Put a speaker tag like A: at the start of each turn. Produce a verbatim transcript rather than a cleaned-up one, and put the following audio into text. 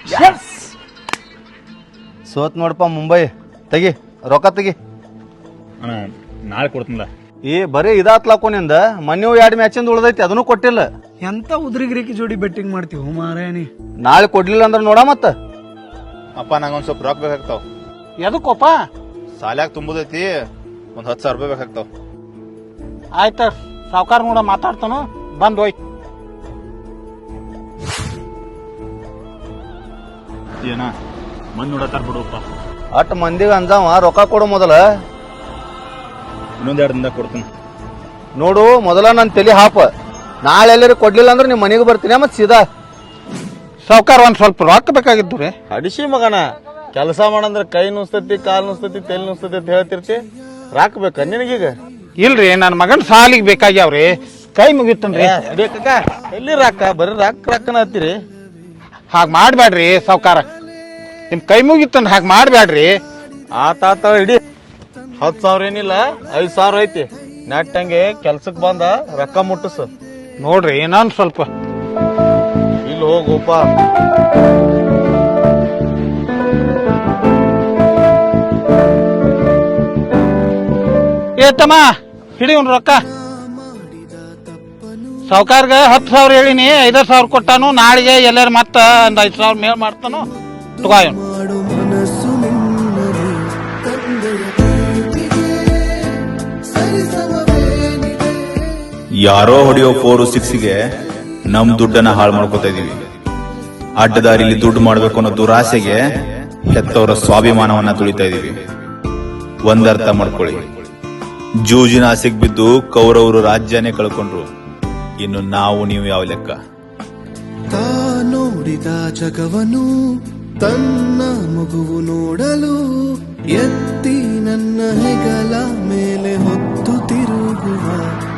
A: ಸೋತ್ ನೋಡಪ್ಪ ಮುಂಬೈ. ತೆಗಿ ರೊಕ್ಕ ತೆಗಿ.
B: ಅಣ್ಣ ನಾಳೆ ಕೊಡ್ತೀನಿಲ್ಲ.
A: ಏ ಬರೀ ಇದಾತ್ಲಾಕೋ ನಿಂದ. ಮನ್ಯೂ ಎರಡು ಮ್ಯಾಚಿಂದ ಉಳ್ದೈತಿ, ಅದನ್ನು ಕೊಟ್ಟಿಲ್ಲ.
C: ಎಂತ ಉದ್ರಿಗಿರಿಕಿ ಜೋಡಿ ಬೆಟ್ಟಿಂಗ್ ಮಾಡ್ತೀವಿ ಮಾರಾಯಣಿ.
A: ನಾಳೆ ಕೊಡ್ಲಿಲ್ಲ ಅಂದ್ರ ನೋಡ ಮತ್ತ.
B: ಅಪ್ಪ ನಂಗೊಂದ್ ಸ್ವಲ್ಪ ರೊಕ್ಕ ಬೇಕಾಗ್ತಾವ.
C: ಎದಕ್ಕೋಪ?
B: ಸಾಲ್ಯಾಗ ತುಂಬುದೈತಿ, ಒಂದ್ ಹತ್ತು ಸಾವಿರ ರೂಪಾಯಿ ಬೇಕಾಗ್ತಾವ.
C: ಆಯ್ತ ಸಾವ್ಕಾರ ನೋಡ ಮಾತಾಡ್ತಾನು, ಬಂದ್ ಹೋಯ್.
B: ಏನ ಮಂದಿ ನೋಡತ್ತಾರ ಬಿಡುಪ್ಪ.
A: ಅಟ್ ಮಂದಿಗೆ ಅಂಜಾವ ರೊಕ್ಕ ಕೊಡು ಮೊದಲ.
B: ಇನ್ನೊಂದ್ ಎರಡು ದಿನದಾಗ ಕೊಡ್ತೀನಿ.
A: ನೋಡು ಮೊದಲ ನನ್ ತಲಿ ಹಾಪ. ನಾಳೆ ಎಲ್ಲರೂ ಕೊಡ್ಲಿಲ್ಲ ಅಂದ್ರೆ ನಿಮ್ ಮನೆಗೆ ಬರ್ತೀನಿ ಮತ್ ಸೀದಾ.
C: ಸಾವ್ಕಾರ ಒಂದ್ ಸ್ವಲ್ಪ ರೊಕ್ಕ ಬೇಕಾಗಿದ್ದು ರೀ.
A: ಅಡಿಸಿ ಮಗನ, ಕೆಲಸ ಮಾಡಂದ್ರ ಕೈ ನುಸ್ತತಿ, ಕಾಲ್ ನುಸ್ತತಿ, ತೆಲ್ ನುಸ್ತತಿ ಅಂತ ಹೇಳ್ತಿರ್ತಿ. ರಾಕ್ ಬೇಕ ನಿನಗೀಗ?
C: ಇಲ್ರಿ ನನ್ ಮಗನ್ ಸಾಲಿಗೆ ಬೇಕಾಗ್ಯಾವ್ರಿ, ಕೈ ಮುಗಿತನ್ರಿ.
A: ಬೇಕ ಎಲ್ಲಿ ರಾಕ? ಬರೀ ರಾಕ್ ರಾಕನ ಹತ್ತೀರಿ.
C: ಹಾಗ ಮಾಡ್ಬ್ಯಾಡ್ರಿ ಸಾವ್ಕಾರ, ನಿಮ್ ಕೈ ಮುಗಿತನ್ ಹಾಗ ಮಾಡ್ಬ್ಯಾಡ್ರಿ.
A: ಆತಾತ ಇಡಿ. ಹತ್ ಸಾವಿರ ಏನಿಲ್ಲ, ಐದ್ ಸಾವಿರ ಐತಿ. ನೆಟ್ಟಂಗೆ ಕೆಲ್ಸಕ್ ಬಂದ ರೊಕ್ಕ ಮುಟ್ಟಸ.
C: ನೋಡ್ರಿ ಇನ್ನೊಂದ್ ಸ್ವಲ್ಪ.
A: ಇಲ್ಲಿ ಹೋಗೋಪ.
C: ಏತಮ್ಮ ಹಿಡಿ ಒಂದ್ ರೊಕ್ಕ. ಸಾವ್ಕಾರ್ಗ ಹತ್ತು ಸಾವಿರ ಹೇಳಿನಿ, ಐದಾರು ಸಾವಿರ ಕೊಟ್ಟಾನು. ನಾಳೆಗೆ ಎಲ್ಲಾರು ಮತ್ತ ಒಂದ್ ಐದ್ ಸಾವಿರ ಮೇಲ್ ಮಾಡ್ತಾನು. ತಗೋ.
D: ಯಾರೋ ಹೊಡೆಯೋ ಫೋರ್ ಸಿಕ್ಸ್ಗೆ ನಮ್ ದುಡ್ಡನ್ನ ಹಾಳು ಮಾಡ್ಕೋತಾ ಇದೀವಿ. ಅಡ್ಡದಾರಿಲಿ ದುಡ್ಡು ಮಾಡ್ಬೇಕು ಅನ್ನೋ ದುರಾಸೆಗೆ ಹೆತ್ತವರ ಸ್ವಾಭಿಮಾನವನ್ನ ತುಳಿತಾ ಇದೀವಿ. ಒಂದರ್ಥ ಮಾಡ್ಕೊಳ್ಳಿ, ಜೂಜಿನ ಆಸೆಗೆ ಬಿದ್ದು ಕೌರವರು ರಾಜ್ಯನೇ ಕಳ್ಕೊಂಡ್ರು. ಇನ್ನು ನಾವು ನೀವು ಯಾವ ಲೆಕ್ಕ?
E: ತಾ ನೋಡಿದ ಜಗವನು ತನ್ನ ಮಗುವು ನೋಡಲು ಎತ್ತಿ ನನ್ನ ಹೆಗಲ ಮೇಲೆ ಹೊತ್ತು ತಿರುಗುವ